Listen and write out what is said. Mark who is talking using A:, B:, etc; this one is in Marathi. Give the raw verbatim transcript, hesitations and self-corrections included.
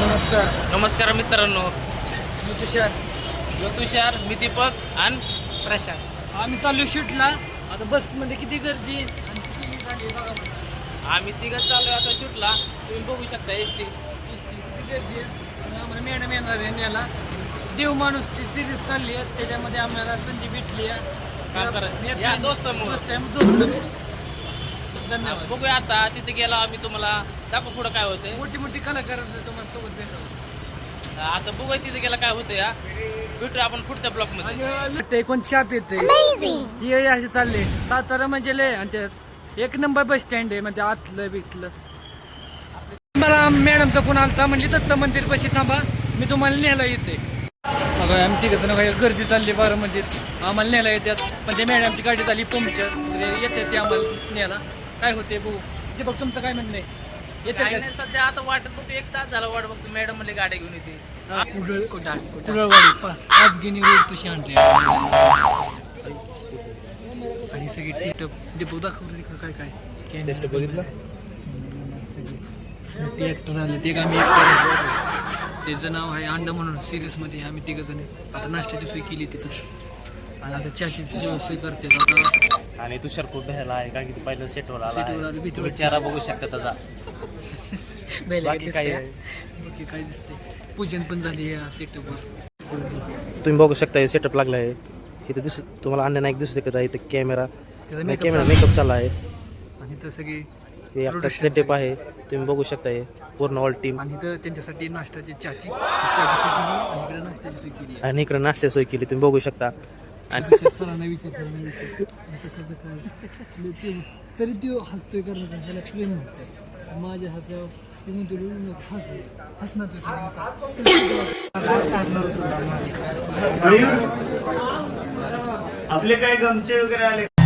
A: नमस्कार
B: नमस्कार मित्रांनो,
A: मी तुषार.
B: मी तुषार, मी दीपक आणि प्रशांत.
A: आम्ही चाललो शूटला. आता बसमध्ये किती गर्दी आणि किती झाली बघा मला.
B: आम्ही तिघं चालू आता शूटला. तुम्ही बघू शकता एस टी.
A: किती गर्दी आहे. आणि आम्हाला मॅडम येणार आहे याला देव माणूसची सिरीज चालली आहे, त्याच्यामध्ये आम्हाला संधी भेटली आहे.
B: काम करत या दोस्तामुळं.
A: दोस्त आहे, दोस्त. धन्यवाद.
B: बघूया आता तिथे गेला आम्ही तुम्हाला दाखवू पुढं काय होतंय.
A: मोठी मोठी कलाकार तुम्हाला सोबत भेटतो.
B: आता बघूया तिथे गेला काय होतं या. भेटूया आपण पुढच्या ब्लॉक मध्ये.
A: ते कोण चाप येते हे असे चालले सातारा म्हणजे लय. आणि ते एक नंबर बस स्टँड आहे म्हणजे आतलं बितलं. मला मॅडमचा फोन आलता, म्हणली दत्त मंदिर पाशी थांबा, मी तुम्हाला न्यायला येते. अगं आम्ही तिघं जण काही गर्दी चालली बारामतीत, आम्हाला न्यायला येतात. पण ते मॅडमची गाडी झाली पंक्चर, येते ते आम्हाला न्यायला. काय होते बघू. ते बघ तुमचं काय म्हणणं आहे, येते
B: काय
A: का?
B: नाही, सध्या आता वाटत बघतो एक तास झाला वाट बघतो. मॅडम म्हणले गाडी घेऊन येते.
A: कुडळ कुडळवाडी पाचगिनी रोड पशी आणले. आणि सगळी टिप डिपो दाखवले काय काय
C: बघितलं
A: मोठे ॲक्टर आले. ते आम्ही ॲक्टर, त्याचं नाव आहे अंडा म्हणून. सिरियसमध्ये आम्ही तिघं जण आता नाश्त्याची सोय केली तिथं. आणि आता चहाची सोय करते आता.
C: आणि तुषार खूप भ्यायला आहे कारण की ते पहिलं सेटवर आला
A: सेटवर
C: आहे.
A: आलं, भीती
C: तुम्ही
A: वाटते.
C: चेहरा बघू शकता त्याचा. बाकी काय आहे?
A: बाकी काय दिसते. पूजन पण झाली या सेटअपवर.
C: तुम्ही बघू शकता हे सेटअप लागला आहे इथे. दिस तुम्हाला अन्य नाईक दिसू शकत आहे. इथे कॅमेरा कॅमेरा मेकअप चालला आहे.
A: आणि तर सगळी
C: हे आता सेटअप आहे, तुम्ही बघू शकता. हे पूर्ण ऑल टीम.
A: आणि तर त्यांच्यासाठी नाश्त्याची चहाची चहाची सोय केली आणि इकडे नाश्त्याची सोय केली.
C: आणि इकडे नाश्ता सोय केली, तुम्ही बघू शकता. आणि
A: विचार सरांना विचार सरांना विचार असं कसं काय ते- तरी तो हसतोय कारण का ह्याला प्रेम म्हणतोय माझ्या हस्यावर. ती म्हणतो हस हसणार तुझ्या.
D: आपले काय गमचे वगैरे आले.